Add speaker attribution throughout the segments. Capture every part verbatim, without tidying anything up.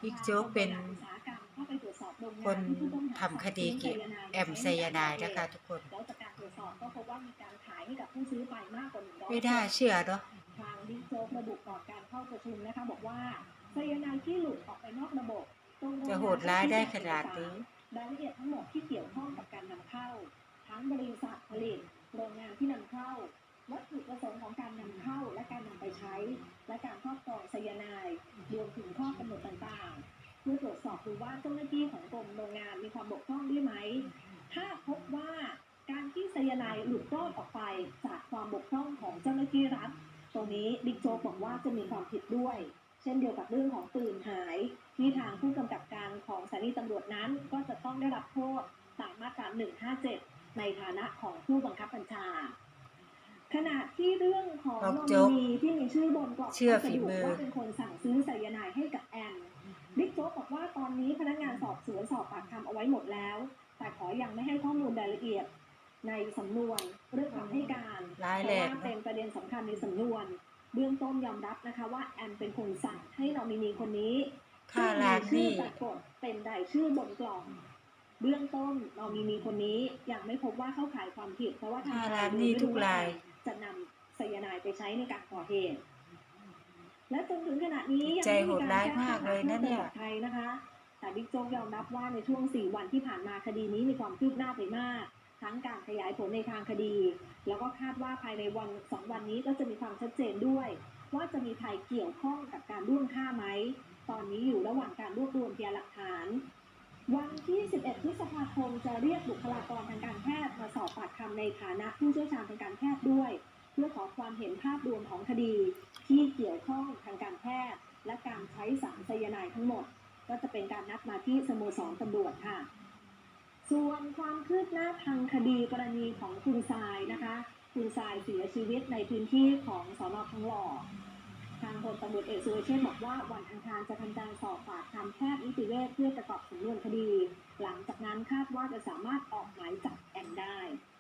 Speaker 1: บิ๊กโจ๊กเป็นคนทำคดีเกี่ยวกับแอมไซยาไนด์นะคะทุกคน
Speaker 2: แล้วจากการตรวจสอบก็พบว่ามีการขายให้กับผู้ซื้อไปมากกว่าหนึ่งร้อย
Speaker 1: ไม่น่าเชื่อเนาะ
Speaker 2: ทางบิ๊กโจ๊กระบุก่อนการเข้าประชุมนะคะบอกว่าไซยาไนด์ที่หลุดออกไปนอกระบบ
Speaker 1: จะโหดร้ายได้ขนาดนี้
Speaker 2: รายละเอียดทั้งหมดที่เกี่ยวข้องกับการนำเข้าทั้งบริษัทผลิตโรงงานที่นำเข้าวัตถุประสงค์ของการนำเข้าและการนำไปใช้และการครอบครองไซยาไนด์รวมถึงข้อกำหนดต่างๆเพื่อตรวจสอบดูว่าเจ้าหน้าที่ของกรมโรงงานมีความบกพร่องด้วยไหมถ้าพบว่าการที่ไซยาไนด์หลุดรอดออกไปจากความบกพร่องของเจ้าหน้าที่รัฐตรงนี้บิ๊กโจ๊กบอกว่าจะมีความผิดด้วยเช่นเดียวกับเรื่องของปืนหายที่ทางผู้กำกับการของสถานีตำรวจนั้นก็จะต้องได้รับโทษตามมาตราหนึ่งห้าเจ็ดในฐานะของผู้บังคับบัญชาขณะที่เรื่องของโนมินีที่มีชื่อบนกล่องพัสดุว่าเป็นคนสั่งซื้อไซยาไนด์ให้กับแอมบิ๊กโจ๊กบอกว่าตอนนี้พนักงานสอบสวนสอบปากคำเอาไว้หมดแล้วแต่ขอยังไม่ให้ข้อมูลรายละเอียดในสำนวนเรื่องคำให้การเพราะว่าเป็นประเด็นสำคัญในสำนวนเบื้องต้นยอมรับนะคะว่าแอมเป็นคนสั่งให้นอมินีคนนี้
Speaker 1: ค่าล้างหนี้
Speaker 2: ปรากฏเป็นรายชื่อบนกล่องเบื้องต้นนอมินีคนนี้ยังไม่พบว่าเข้าข่ายความผิดเพราะว่าทาง
Speaker 1: ค่าล้างหนี้ทุกราย
Speaker 2: จะนำไซยาไนด์ไปใช้ในการก่อเหตุและจนถึงขณะนี้ยัง
Speaker 1: ไม่มีการแจ้งข้อหาเพิ่มเติม
Speaker 2: ไทยนะคะแต่บิ๊กโจ๊กยอมรับว่าในช่วงสี่วันที่ผ่านมาคดีนี้มีความคืบหน้าไปมากทั้งการขยายผลในทางคดีแล้วก็คาดว่าภายในวันสองวันนี้ก็จะมีความชัดเจนด้วยว่าจะมีใครเกี่ยวข้องกับการร่วมฆ่าไหมตอนนี้อยู่ระหว่างการรวบรวมพยานหลักฐานวันที่สิบเอ็ดพฤษภาคมจะเรียกบุคลากรทางการแพทย์มาสอบปากคำในฐานะผู้เชี่ยวชาญทางการแพทย์ด้วยเพื่อขอความเห็นภาพรวมของคดีที่เกี่ยวข้องทางการแพทย์และการใช้สารไซยาไนด์ทั้งหมดก็จะเป็นการนัดมาที่สโมสรตำรวจค่ะส่วนความคืบหน้าทางคดีกรณีของคุณทรายนะคะคุณทรายเสียชีวิตในพื้นที่ของสน.ทองหล่อทางพลตำรวจเอกสุรเชษฐ์บอกว่าวันอังคารจะทำการสอบปากคำแพทย์นิติเวชเพื่อประกอบสำนวนคดีหลังจากนั้นคาดว่าจะสามารถออกหมายจับแอมได้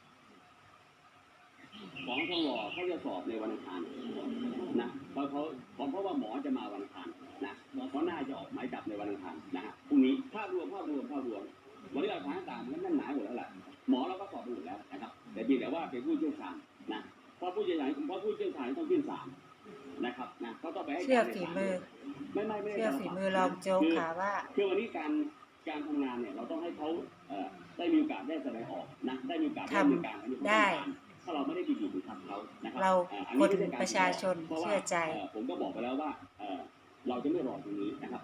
Speaker 3: ของทองหล่อเขาจะสอบในวันอังคารนะเพราะเขาเพราะว่าหมอจะมาวันอังคารนะเขาน่าจะออกหมายจับในวันอังคารนะฮะพรุ่งนี้ภาพรวมภาพรวมภาพรวมวันนี้หลักฐานต่างๆมันนั่นหนาหมดแล้วแหละหมอเราก็สอบไปหมดแล้วนะครับแต่เพียงแต่ว่าเป็นผู้เชี่ยวชาญนะเพราะผู้เชี่ยวชาญเพราะผู้เชี่ยวชาญต้องขึ้นศาลนะครับนะเขาต้องไปให้
Speaker 1: เชื่อฝีมือ
Speaker 3: ไม่ไม่ไม่
Speaker 1: เชื่อฝีมือรองโจ๊กค่ะว่า
Speaker 3: คือวันนี้การการทำงานเนี่ยเราต้องให้เขาได้มีโอกาสได้แสดงออกนะได้มีโอกาสได้มีการ
Speaker 1: ได้
Speaker 3: ถ้าเราไม่ได้บีบบีบทำเขานะครับ
Speaker 1: เราคนประชาชนเชื่อใจ
Speaker 3: ผมก็บอกไปแล้วว่าเราจะไม่รอตรงนี้นะครับ